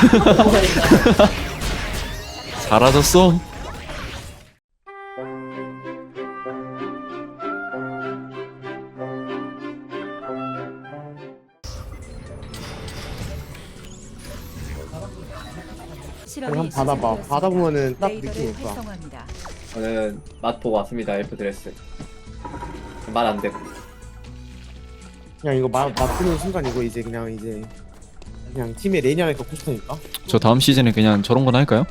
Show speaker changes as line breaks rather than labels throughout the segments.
사라졌어.
한번 받아봐. 받아보면은 딱 느낌이 올까.
저는 맛 보고 왔습니다. 엘프 드레스. 말 안 되고.
그냥 이거 맞추는 순간 이거 이제 그냥 팀의 레이니 안에 갖고 싶으니까.
저 다음 시즌에 그냥 저런 건 할까요?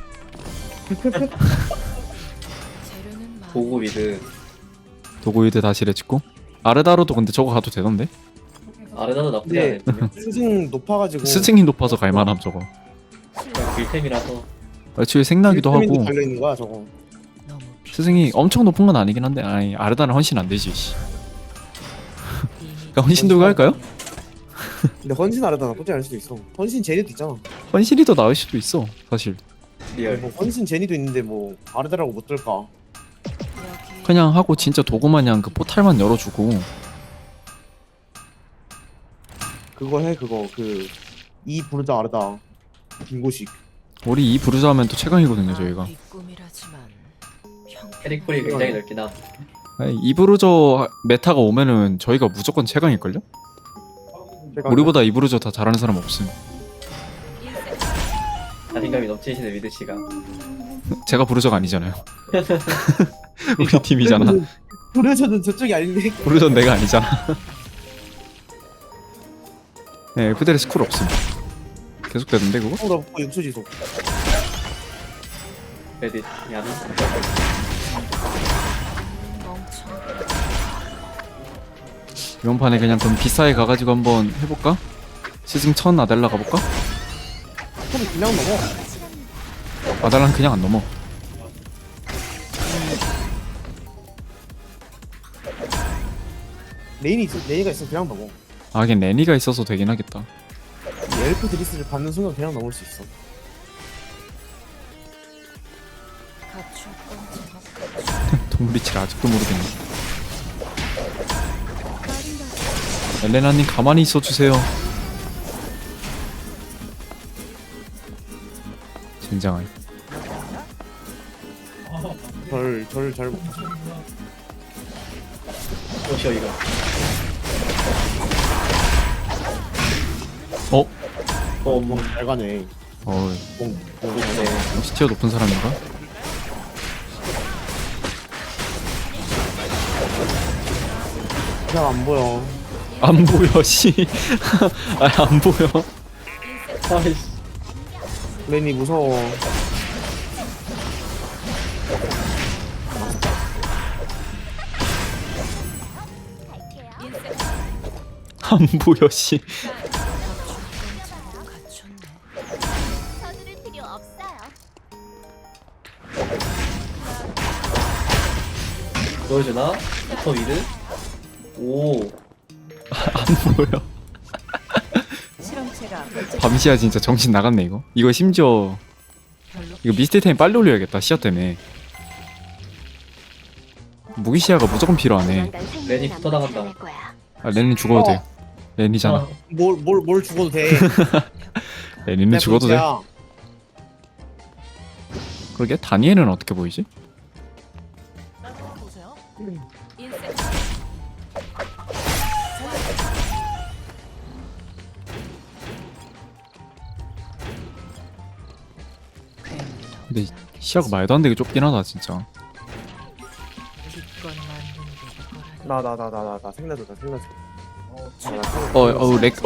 보고 미드.
도구이드 다시 레찍고. 아르다로도 근데 저거 가도 되던데?
아르나도 나쁘지
네.
않아요.
스승 높아가지고.
스승이 높아서 갈만함 저거.
그냥 빌템이라서.
애초에 생나기도
비타민도
하고.
달려 있는 거야 저거.
스승이 엄청 높은 건 아니긴 한데 아니 아르다는 헌신 안 되지. 씨. 그러니까 헌신 도구 할까요?
근데 헌신 아르다 나쁘지 않을 수도 있어. 헌신 제니도 있잖아.
헌신이 더 나을 수도 있어 사실.
리얼.
뭐 헌신 제니도 있는데 뭐 아르다라고 못 들까.
그냥 하고 진짜 도구 마냥 그 포탈만 열어주고.
그거 해 그거 이 부르자 아르다 빙고식.
우리 이 부르자 하면 또 최강이거든요 저희가.
캐릭풀이 굉장히 넓긴 함.
아니, 이 부르저 메타가 오면은 저희가 무조건 최강일걸요? 우리보다 이 부르저 다 잘하는 사람 없음.
자신감이 넘치시는 미드 씨가.
제가 부르저가 아니잖아요. 우리 팀이잖아.
부르자는 저쪽이 아닌데.
부르저는 내가 아니잖아. 네, 그대로 스쿨 없음. 계속 되던데 그거?
나 먹고 6초 지속.
레딧. 야.
이번 판에 그냥 그럼 비싸게 가가지고 한번 해볼까? 시즌 1000 아델라 가볼까?
그럼 그냥 넘어.
아델라는 그냥 안 넘어.
레이니가 있으면 그냥 넘어.
아 하긴 레니가 있어서 되긴 하겠다.
이 엘프 드리스를 받는 순간 그냥 넘을 수 있어.
동물이치를 아직도 모르겠네. 엘레나님 가만히 있어주세요. 젠장할.
절 잘 못.
오시오 이거.
어?
잘 가네.
어
네.
역시 티어 높은 사람인가?
그냥 안 보여.
안 보여 씨. 아 안 보여.
아이씨.
레이니 무서워.
안 보여 씨.
서두를 필요 없어요.
보여주나? 터 미드? 오.
안 보여.
실험체가
밤시야 진짜 정신 나갔네 이거. 이거 심지어 이거 미스테이템 빨리 올려야겠다 시야 때문에. 무기시야가 무조건 필요하네.
레니 붙어 나간다.
아 렌이 죽어도 돼. 렌이잖아.
아,
뭘 죽어도 돼.
렌이는 죽어도 돼. 그러게 다니엘은 어떻게 보이지? 근데 시야가 말도 안 되게 좁긴 하다 진짜.
나 생나줘.
렉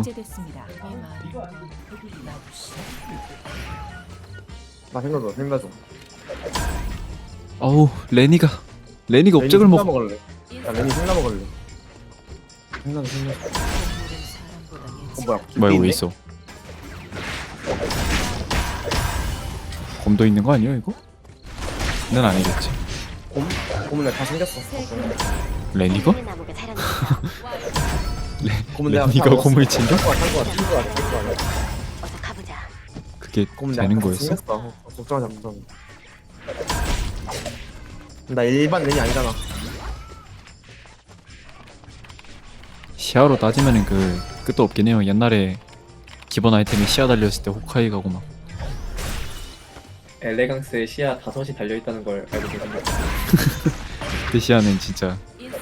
나 생나줘.
어우 레니가 업적을 먹.
먹을래. 야 레니 생나 먹을래. 생나줘.
뭐야 왜 있어? 검도 있는 거 아니야 이거? 는 아니겠지.
고문 내가 다 생겼어.
레니가?
고문 내가
레니가
다
검을 챙겨?
어서
가보자.
그게
고문
되는 거였어?
걱정하지 마. 나 일반 레니 아니잖아.
시야로 따지면은 그 끝도 없긴 해요. 옛날에 기본 아이템이 시야 달려있을 때 호카이 가고 막
엘레강스에 시야 5이 달려있다는 걸 알고 계신가요?
그 시야는 진짜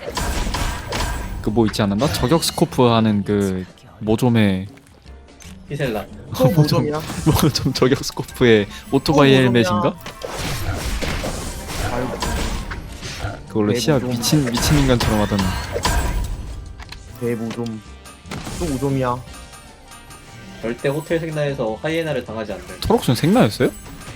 그 뭐 있지 않았나? 저격 스코프 하는 그 모좀의
히셀라.
또 모점이야.
모좀 저격 스코프의 오토바이
모좀이야.
헬멧인가?
아유,
그걸로
네,
시야
모좀.
미친 인간처럼 하던
대모점. 또 모점이야.
절대 호텔 생나에서 하이에나를 당하지 않는.
토록순 생나였어요?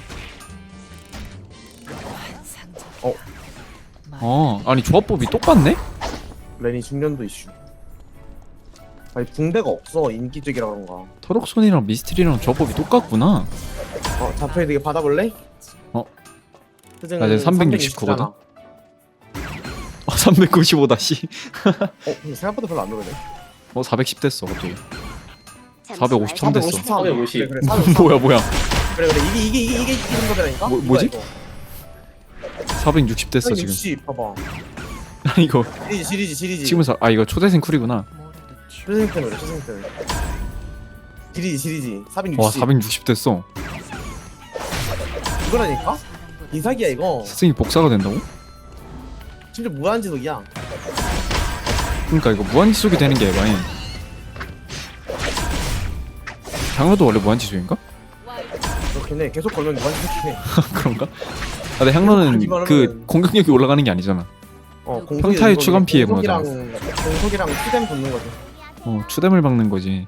아니 조합법이 똑같네?
레니 중년도 이슈. 아니 붕대가 없어 인기적이라 그런가.
토록순이랑 미스트리랑 조합법이 똑같구나.
자표에 되게 받아볼래?
어.
스승은
나 지금 369 거든?
369잖아.
395다 씨.
근데 생각보다 별로 안 오르네.
410 됐어 갑자기. 453 됐어.
450.
그래, 453.
뭐야
그래 이게 이런 거라니까.
뭐지? 460 됐어 지금.
60 봐봐.
아니 이거
시리즈.
지금 이거 초대생 쿨이구나.
초생템이래 초생템. 시리즈 460.
와 460 됐어.
이거라니까? 이사기야 이거.
스승이 복사가 된다고?
진짜 무한지속이야.
그러니까 이거 무한지속이 되는 게 에바인. 향로도 원래 무한지속인가?
그렇긴 해. 계속 걸면 무한지속이긴 해.
그런가? 근데 향로는
이거는-
그 공격력이 올라가는 게 아니잖아. 평타의 추간 피해 뭐잖아.
공속이랑 추뎀 붙는 거지.
추뎀을 박는 거지.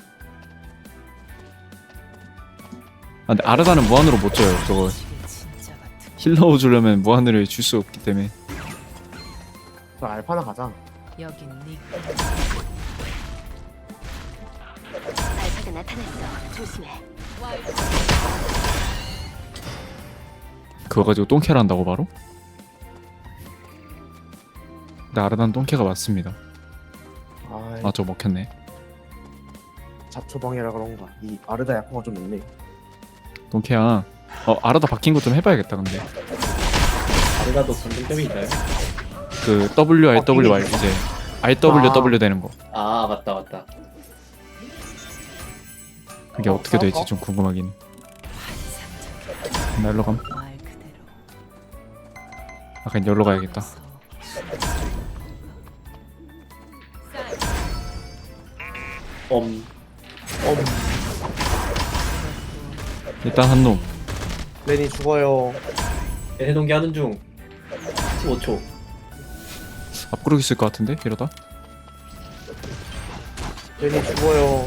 근데 아르다는 무한으로 못 줘요. 저거 힐러 주려면 무한으로 줄 수 없기 때문에.
그럼 알파나 가자.
여긴 네
알파가 나타났어. 조심해.
그거 가지고 똥캐를 한다고 바로? 근데 아르다는 똥캐가 맞습니다. 저 먹혔네.
잡초방이라 그런가. 이 아르다 약화가 좀 있네.
똥캐야. 아르다 바뀐 거 좀 해봐야겠다 근데.
아르다도 공통점이 있나요?
그 WRWR 이제 RWW 되는 거.
아 맞다.
그게 어떻게 될지 좀 궁금하긴. 나 일로 감.
말 그대로
그냥 여기로 가야겠다. 일단 한 놈.
레니 죽어요.
해동기 하는 중. 15초.
앞구르기 있을 것 같은데 이러다.
레니 죽어요.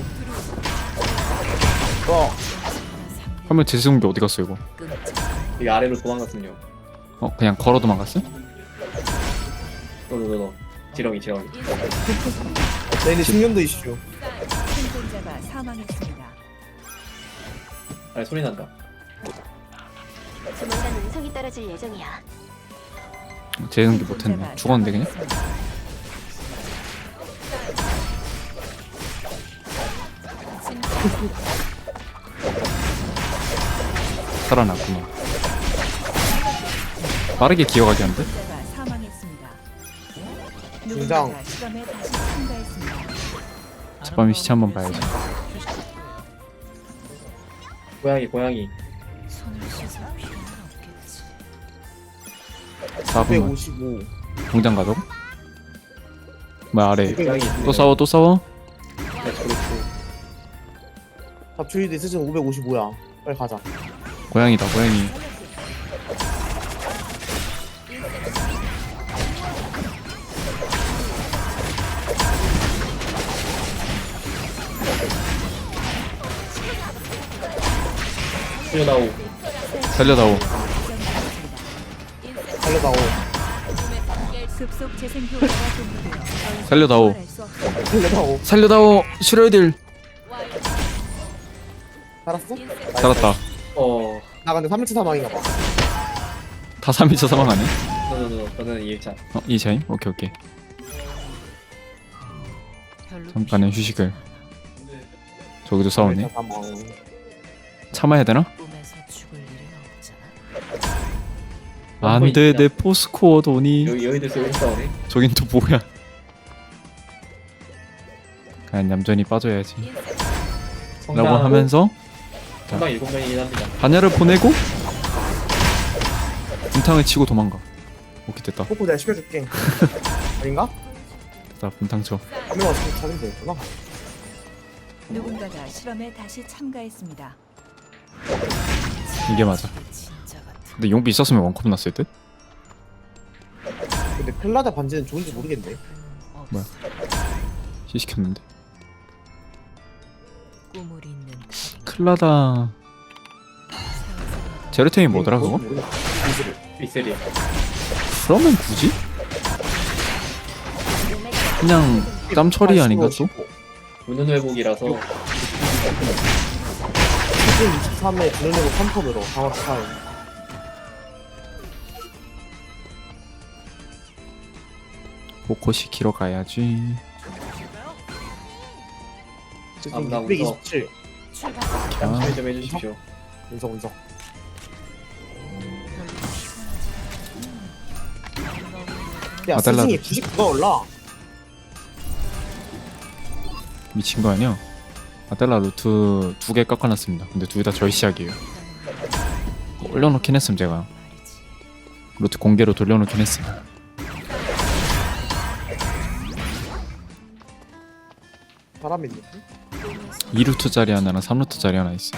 화면 재수공기 어디 갔어 이거?
이 아래로 도망갔군요.
그냥 걸어 도망갔어?
너. 지렁이.
레니 중년도 이슈.
생존자가 사망했습니다.
아래 소리 난다.
조만간 운성이 떨어질 예정이야.
재수공기 못했네. 죽었는데 그냥? 살아났구나. 빠르게 기어가게 한데?
생존자가 사망했습니다.
등장.
누군가가 실험에 다시 참가했습니다.
저밤에 시체 한번 봐야지.
고양이.
손을 씻을 필요는 없겠지.
4분만
155.
공장 가자고? 뭐야 아래
고양이.
또 싸워?
네, 그렇고.
잡초이드 스승 555야. 빨리 가자.
고양이다 고양이.
살려다오.
살려다오.
달려다오.
급속 재생 효과가 종료되어 더 이상
살려다오.
부활할 수 없습니다.
달려다오.
살려다오. 슈레딜.
살았어?
살았다.
나 근데 3일차 사망인가 봐.
다 3일차 사망 아니?
너는 2일차.
2차임? 오케이.
별로
잠깐의 휴식을. 저기도 싸우네.
3일차 사망.
참아야 되나?
꿈에서 죽을 일은 없잖아.
안돼 내 포스코어 돈이.
여기들 쏘고 싸우네.
저긴 또 뭐야? 그냥 얌전히 빠져야지. 라고 하면서
상당 7명이긴 합니다.
반야를 보내고 분탕을 치고 도망가. 오케이 됐다.
코코 내가 시켜줄게. 아닌가?
됐다 분탕 쳐.
한명 왔으면 차리면 되겠구나.
누군가가 실험에 다시 참가했습니다.
이게 맞아.
진짜 같은
근데 용비 있었으면 원컵 났을 듯?
근데 펠라다 반지는 좋은지 모르겠네.
뭐야? 시시켰는데.
꿈을 잇는 달인.
클라다 제르템이 뭐더라 그거?
빅셀이요.
그러면 굳이? 그냥 땀 처리 아닌가 또?
무는 회복이라서
시즌 23에 드론으로 3턴으로 강화 스타일.
보코 시키러 가야지.
시즌
아무나
627.
출발.
아,
참여 좀 해주십시오.
운석 운석. 야
아달라도
시즌이 99가 올라.
미친 거 아니야? 아델라 루트 2개 깎아놨습니다. 근데 둘 다 저희 시작이에요. 올려놓긴 했음 제가. 루트 공개로 돌려놓긴 했음.
사람이 있네.
2루트짜리 하나랑 3루트짜리 하나 있어.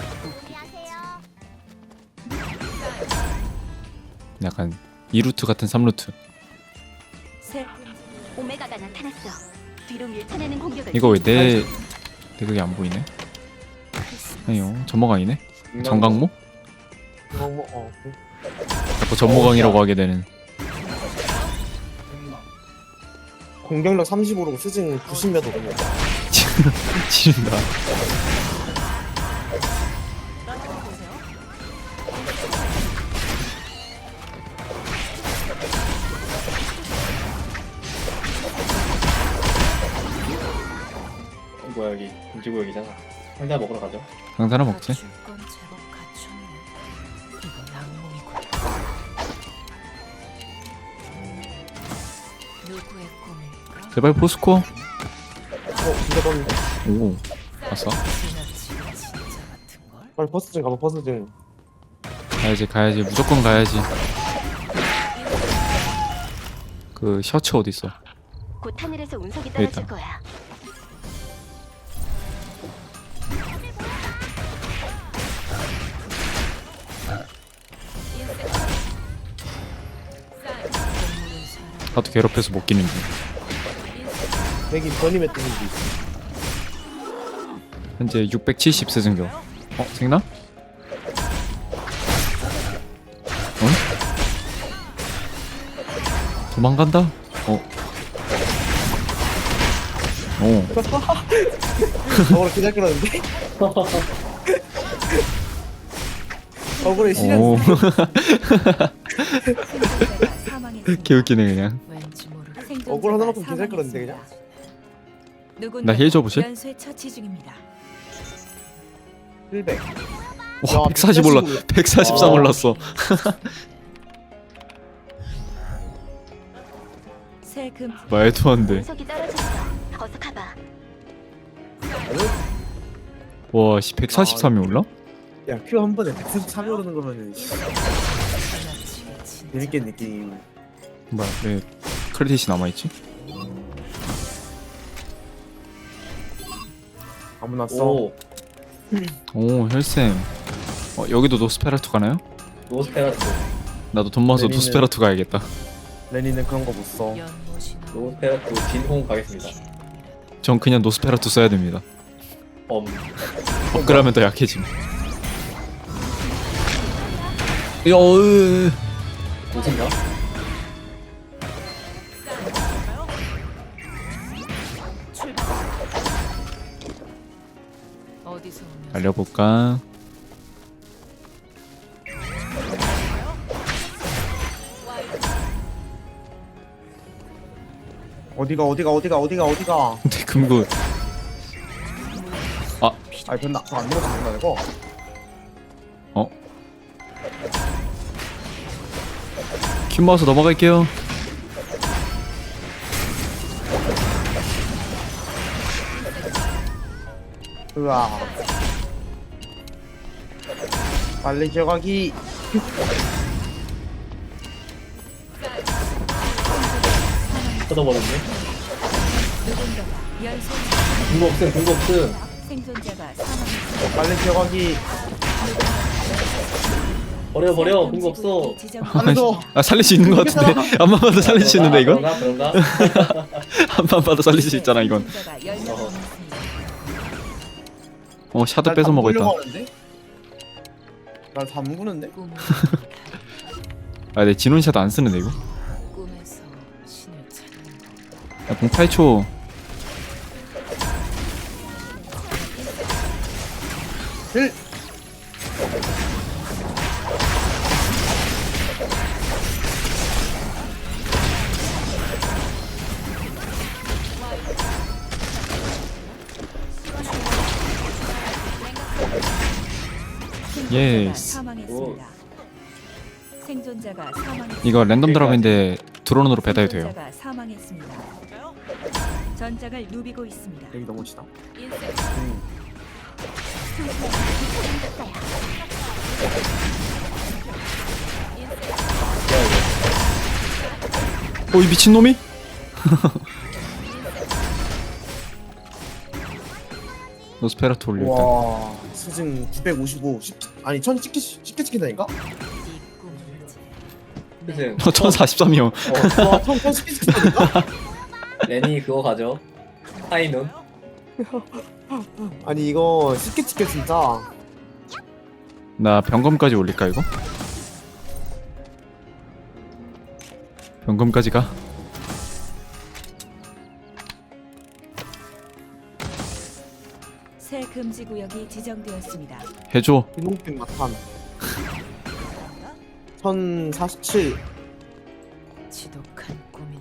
약간 2루트 같은 3루트.
새
오메가가 나타났어. 뒤로 밀쳐내는 공격을.
이거 왜 내 그게 안 보이네? 아니요 전모강이네? 정강모?
그거 뭐
자꾸 전모강이라고 하게 되는.
공격력 35로 시즌 90몇 오르네.
지린다.
뭐야 여기 금지구역이잖아. 상자 먹으러 가죠.
강사나 먹지?
줄건 제법 갖췄네. 이건 악몽이군. 누구의 꿈일까?
제발 포스코.
진짜 떴는데?
오 봤어?
지나치게 진짜 같은 걸.
빨리 버스 좀 가봐 버스 좀.
가야지 무조건 가야지. 그 셔츠 어디 있어?
곧 하늘에서 운석이
여기
떨어질
있다.
거야.
동물은 사람.
나도 괴롭혀서 못 끼는 중.
여기 변임의 뜻인지.
현재 670 세증교. 생나? 어? 도망간다?
저거를 기다렸는데 저거를 실현.
오.
생존자가 사망했습니다.
개웃기네 그냥.
왠지 모를
억울 하나만큼 기다릴 거였는데, 그냥.
나 힐 줘보실?
연쇄 처치 중입니다.
100.
와 140 올라 143 올랐어.
세금
말도 안 돼.
운석이 떨어졌어. 어서 가봐.
와 143이 올라?
야, 큐 한 번에 143이 오르는 거면은
지나치게 진짜
재밌겠네 게임.
뭐야 왜 크레딧이 남아있지?
아무나 써.
오
오 혈쌤. 여기도 노스페라투 가나요?
노스페라투.
나도 돈 모아서
내리는-
노스페라투 가야겠다.
레니는 그런 거 못 써.
연못이나
노스페라투 진홍 가겠습니다.
전 그냥 노스페라투 써야 됩니다. 업그레이드하면 더 약해짐.
무슨가?
출발. 어디서 오면
알려볼까?
어디가.
근데 금고
아니 변나 안 넘어진다 이거.
큐 모아서 넘어갈게요.
으아. 빨리 지어가기.
뜯어버렸네.
누군가가 연쇄
궁거 없음, 궁거 없음.
생존자가 사망했습니다.
빨리 지어가기.
버려, 궁거 없어.
안에서
아 살릴 수 있는 것 같은데 한 번만 더 살릴 수 있는데 이건?
그런가?
한 번만 더 살릴 수 있잖아 이건. 샤드 뺏어 먹어있다.
날 담그는데?
아 내 진원 샤드 안 쓰는데 이거?
꿈에서 신을 찾는 것.
야, 공 8초.
힐.
예스.
사망했습니다. 생존자가 사망했습니다.
이거 랜덤 드랍인데 드론으로 배달이 돼요.
생존자가 사망했습니다. 전장을 누비고 있습니다.
여기 너무 치다.
이 미친놈이? 노스페라토 올려 일단.
와 수증 955 아니 1000 쉽게 찍힌다니까?
이 꿈을 이제
그치?
1043이요.
와 1000 쉽게 찍힌다니까?
레니 그거 가져. 하이눈.
아니 이거 쉽게 찍혀 진짜.
나 병검까지 올릴까 이거? 병검까지 가?
새 금지 구역이 지정되었습니다.
해줘.
비농빛 마탄 1047
지독한 꿈이네.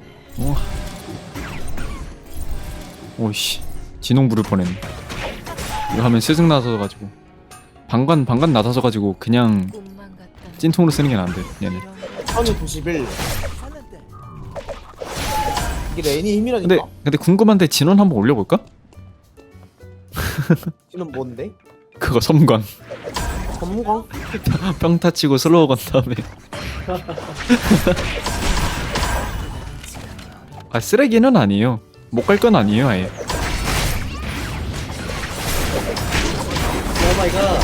오이씨 진홍 부를 뻔했네. 이거 하면 스승 나서가지고 방관 나서가지고 그냥
꿈만 같다.
찐통으로 쓰는 게 나은데 얘네.
1091 이게 레인이 힘이라니까.
근데 궁금한데 진원 한번 올려볼까?
지는 뭔데?
그거 섬광
전무광?
평타 치고 슬로우 건 다음에 아 쓰레기는 아니에요. 못 갈 건 아니에요 아예.
오 마이 갓.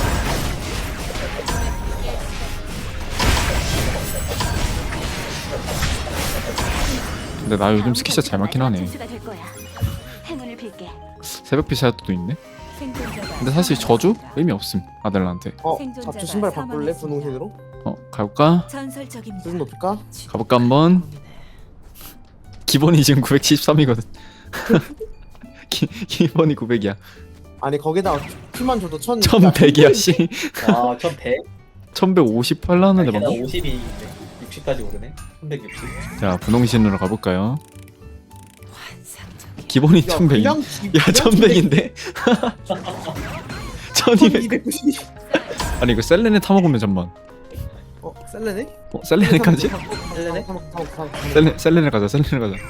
근데 나 요즘 스키샷 잘 맞긴 하네.
진수가 될 거야. 행운을 빌게.
새벽 피샷도 있네.
생존자가
근데 사실 저주
사망했습니다.
의미 없음 아들한테.
잡초 신발 바꿀래? 분홍색으로?
가볼까?
전설적입니다.
수준 높일까?
가볼까 한번.
꿈이네.
기본이 지금 973이거든. 기본이 900이야.
아니 거기다가 피만 줘도
1100이야 씨.
와, 1100?
1158 나왔는데
게다가
방금.
50이 60까지 오르네. 360.
자 분홍신으로 가볼까요?
환상적인
기본이
야
1100.
그냥
야 1100인데? 1200.
1290
아니 이거 셀렌에 타먹으면 잠만.
셀레네?
셀렌에까지?
셀레네?
셀렌에 가자.
새 금지 구역이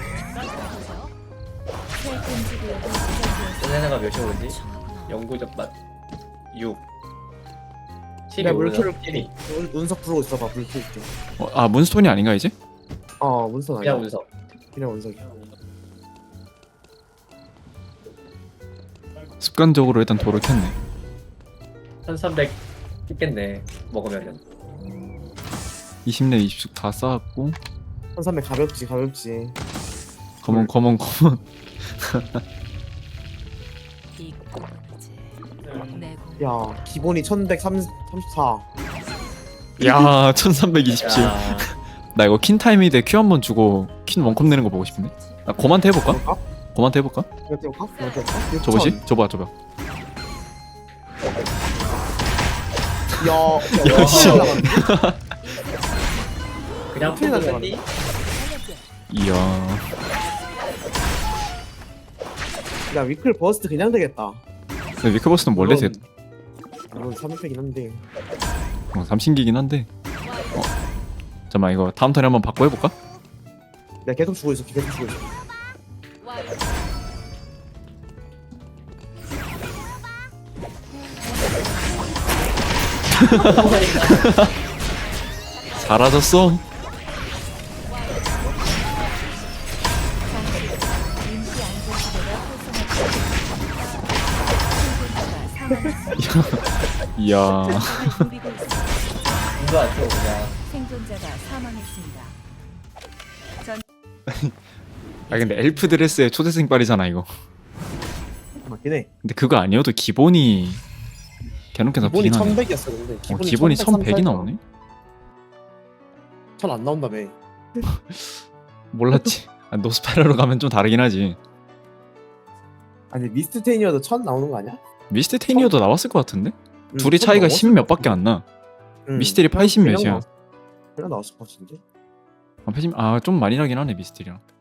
지정되었습니다.
셀레나가 몇이 오르지? 영구적 맛 6. 10이
야,
오르죠.
물결을-
10이.
운석 부르고 있어봐 물 킬게.
문스톤이 아닌가 이제?
운석 아니야.
그냥 운석.
그냥 운석이야.
습관적으로 일단 도를 켰네.
1300 찍겠네. 먹으면은.
20렙 20씩 다 쌓았고
1300 가볍지.
검은
이 꿈은 이제 내 공.
야 기본이 1134.
야 1327.
야,
나 이거 킨 타이밍 때 큐 한 번 주고 킨 원컵 내는 거 보고 싶네. 나 곰한테 해볼까?
볼까?
곰한테 해볼까?
이거 떼볼까? 이거 떼볼까?
저거지? 저봐.
야
씨.
그냥
큰일
풀고
나네.
뺐니?
이야
야 위클 버스트 그냥 되겠다.
근데 위크버스는 원래 셋.
물론 300이긴 한데.
삼신기긴 한데 잠깐만 이거 다음 턴에 한번 바꿔 해볼까?
내가 계속 주고 있어.
사라졌어.
임시 안전지대가 활성화되었습니다.
이야.
생존자가 누비고 있습니다.
눈도 안 뜨고 그냥.
생존자가 사망했습니다.
아 근데 엘프 드레스의 초대생 빨이잖아 이거.
맞긴 해.
근데 그거 아니어도 기본이 개놓게
기본이
나쁘긴 하네.
1100이었어 근데.
기본이 1100이 나오네?
1000안 나온다며.
몰랐지. 아, 노스페라로 가면 좀 다르긴 하지.
아니 미스트 테이니어도 1000 나오는 거 아니야?
미스트 테이니어도 나왔을 것 같은데? 둘이
1000
차이가
넘었을
10 몇 밖에 안 나. 미스тер이 80 몇이야.
그냥 나왔을 것 같은데.
아, 좀 많이 나긴 하네 미스тер이랑.